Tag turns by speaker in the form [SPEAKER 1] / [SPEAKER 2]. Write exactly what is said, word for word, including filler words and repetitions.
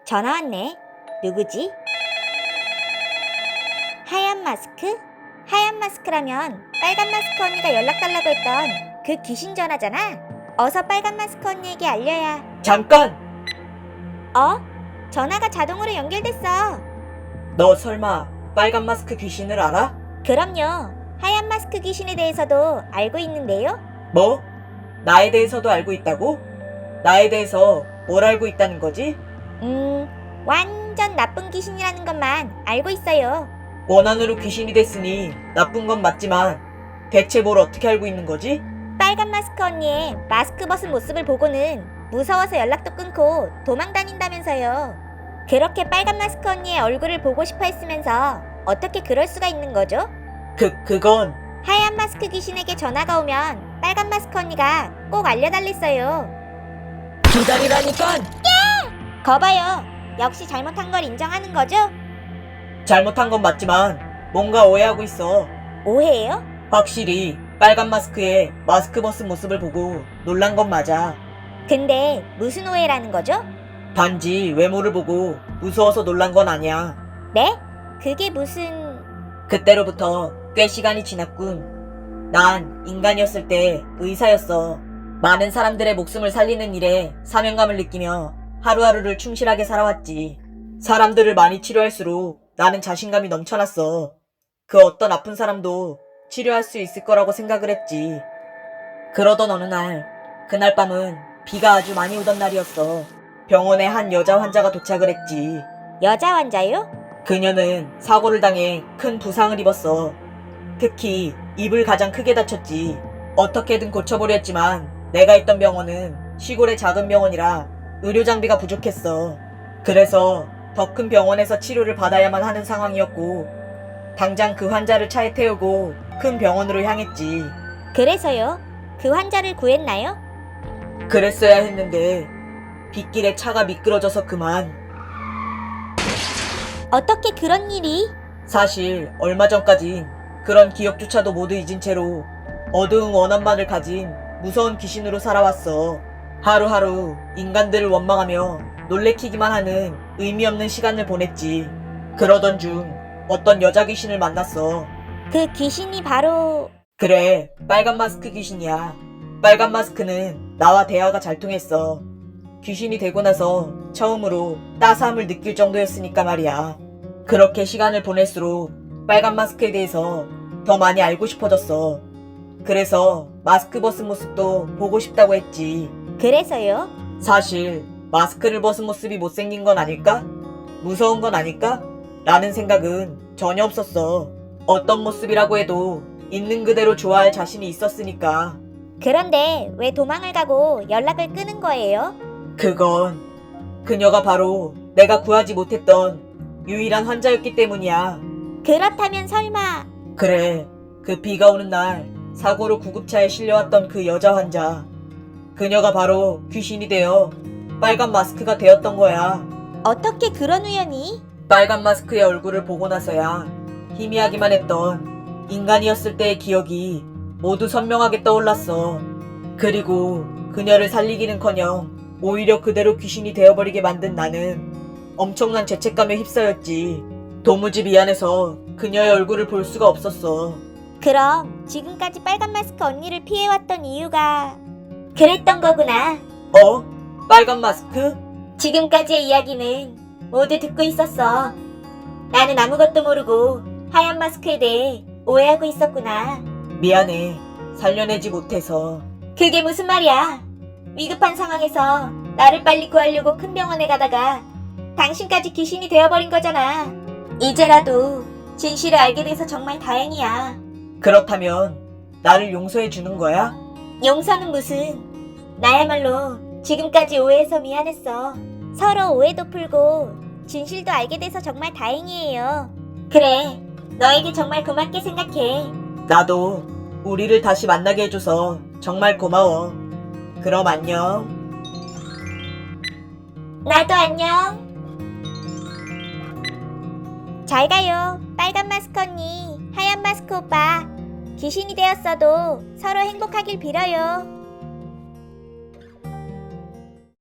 [SPEAKER 1] 전화 왔네. 누구지? 하얀 마스크? 하얀 마스크라면 빨간 마스크 언니가 연락 달라고 했던 그 귀신 전화잖아. 어서 빨간 마스크 언니에게 알려야.
[SPEAKER 2] 잠깐!
[SPEAKER 1] 어? 전화가 자동으로 연결됐어.
[SPEAKER 2] 너 설마 빨간 마스크 귀신을 알아?
[SPEAKER 1] 그럼요. 하얀 마스크 귀신에 대해서도 알고 있는데요.
[SPEAKER 2] 뭐? 나에 대해서도 알고 있다고? 나에 대해서 뭘 알고 있다는 거지?
[SPEAKER 1] 음, 완전 나쁜 귀신이라는 것만 알고 있어요.
[SPEAKER 2] 원한으로 귀신이 됐으니 나쁜 건 맞지만 대체 뭘 어떻게 알고 있는 거지?
[SPEAKER 1] 빨간 마스크 언니의 마스크 벗은 모습을 보고는 무서워서 연락도 끊고 도망 다닌다면서요. 그렇게 빨간 마스크 언니의 얼굴을 보고 싶어 했으면서 어떻게 그럴 수가 있는 거죠?
[SPEAKER 2] 그, 그건
[SPEAKER 1] 하얀 마스크 귀신에게 전화가 오면 빨간 마스크 언니가 꼭 알려달랬어요.
[SPEAKER 2] 기다리라니깐!
[SPEAKER 1] 거봐요. 역시 잘못한 걸 인정하는 거죠?
[SPEAKER 2] 잘못한 건 맞지만 뭔가 오해하고 있어.
[SPEAKER 1] 오해예요?
[SPEAKER 2] 확실히 빨간 마스크에 마스크 벗은 모습을 보고 놀란 건 맞아.
[SPEAKER 1] 근데 무슨 오해라는 거죠?
[SPEAKER 2] 단지 외모를 보고 무서워서 놀란 건 아니야.
[SPEAKER 1] 네? 그게 무슨...
[SPEAKER 2] 그때로부터 꽤 시간이 지났군. 난 인간이었을 때 의사였어. 많은 사람들의 목숨을 살리는 일에 사명감을 느끼며 하루하루를 충실하게 살아왔지. 사람들을 많이 치료할수록 나는 자신감이 넘쳐났어. 그 어떤 아픈 사람도 치료할 수 있을 거라고 생각을 했지. 그러던 어느 날, 그날 밤은 비가 아주 많이 오던 날이었어. 병원에 한 여자 환자가 도착을 했지.
[SPEAKER 1] 여자 환자요?
[SPEAKER 2] 그녀는 사고를 당해 큰 부상을 입었어. 특히 입을 가장 크게 다쳤지. 어떻게든 고쳐보려 했지만 내가 있던 병원은 시골의 작은 병원이라 의료 장비가 부족했어. 그래서 더 큰 병원에서 치료를 받아야만 하는 상황이었고 당장 그 환자를 차에 태우고 큰 병원으로 향했지.
[SPEAKER 1] 그래서요? 그 환자를 구했나요?
[SPEAKER 2] 그랬어야 했는데 빗길에 차가 미끄러져서 그만.
[SPEAKER 1] 어떻게 그런 일이?
[SPEAKER 2] 사실 얼마 전까진 그런 기억조차도 모두 잊은 채로 어두운 원한만을 가진 무서운 귀신으로 살아왔어. 하루하루 인간들을 원망하며 놀래키기만 하는 의미 없는 시간을 보냈지. 그러던 중 어떤 여자 귀신을 만났어.
[SPEAKER 1] 그 귀신이 바로...
[SPEAKER 2] 그래, 빨간 마스크 귀신이야. 빨간 마스크는 나와 대화가 잘 통했어. 귀신이 되고 나서 처음으로 따스함을 느낄 정도였으니까 말이야. 그렇게 시간을 보낼수록 빨간 마스크에 대해서 더 많이 알고 싶어졌어. 그래서 마스크 벗은 모습도 보고 싶다고 했지.
[SPEAKER 1] 그래서요?
[SPEAKER 2] 사실 마스크를 벗은 모습이 못생긴 건 아닐까? 무서운 건 아닐까? 라는 생각은 전혀 없었어. 어떤 모습이라고 해도 있는 그대로 좋아할 자신이 있었으니까.
[SPEAKER 1] 그런데 왜 도망을 가고 연락을 끊은 거예요?
[SPEAKER 2] 그건 그녀가 바로 내가 구하지 못했던 유일한 환자였기 때문이야.
[SPEAKER 1] 그렇다면 설마...
[SPEAKER 2] 그래, 그 비가 오는 날 사고로 구급차에 실려왔던 그 여자 환자. 그녀가 바로 귀신이 되어 빨간 마스크가 되었던 거야.
[SPEAKER 1] 어떻게 그런 우연이?
[SPEAKER 2] 빨간 마스크의 얼굴을 보고 나서야 희미하기만 했던 인간이었을 때의 기억이 모두 선명하게 떠올랐어. 그리고 그녀를 살리기는커녕 오히려 그대로 귀신이 되어버리게 만든 나는 엄청난 죄책감에 휩싸였지. 도무지 미안해서 그녀의 얼굴을 볼 수가 없었어.
[SPEAKER 1] 그럼 지금까지 빨간 마스크 언니를 피해왔던 이유가... 그랬던 거구나.
[SPEAKER 2] 어? 빨간 마스크?
[SPEAKER 1] 지금까지의 이야기는 모두 듣고 있었어. 나는 아무것도 모르고 하얀 마스크에 대해 오해하고 있었구나.
[SPEAKER 2] 미안해. 살려내지 못해서.
[SPEAKER 1] 그게 무슨 말이야? 위급한 상황에서 나를 빨리 구하려고 큰 병원에 가다가 당신까지 귀신이 되어버린 거잖아. 이제라도 진실을 알게 돼서 정말 다행이야.
[SPEAKER 2] 그렇다면 나를 용서해 주는 거야?
[SPEAKER 1] 용서는 무슨... 나야말로 지금까지 오해해서 미안했어. 서로 오해도 풀고 진실도 알게 돼서 정말 다행이에요. 그래, 너에게 정말 고맙게 생각해.
[SPEAKER 2] 나도 우리를 다시 만나게 해줘서 정말 고마워. 그럼 안녕.
[SPEAKER 1] 나도 안녕. 잘 가요, 빨간 마스크 언니, 하얀 마스크 오빠. 귀신이 되었어도 서로 행복하길 빌어요.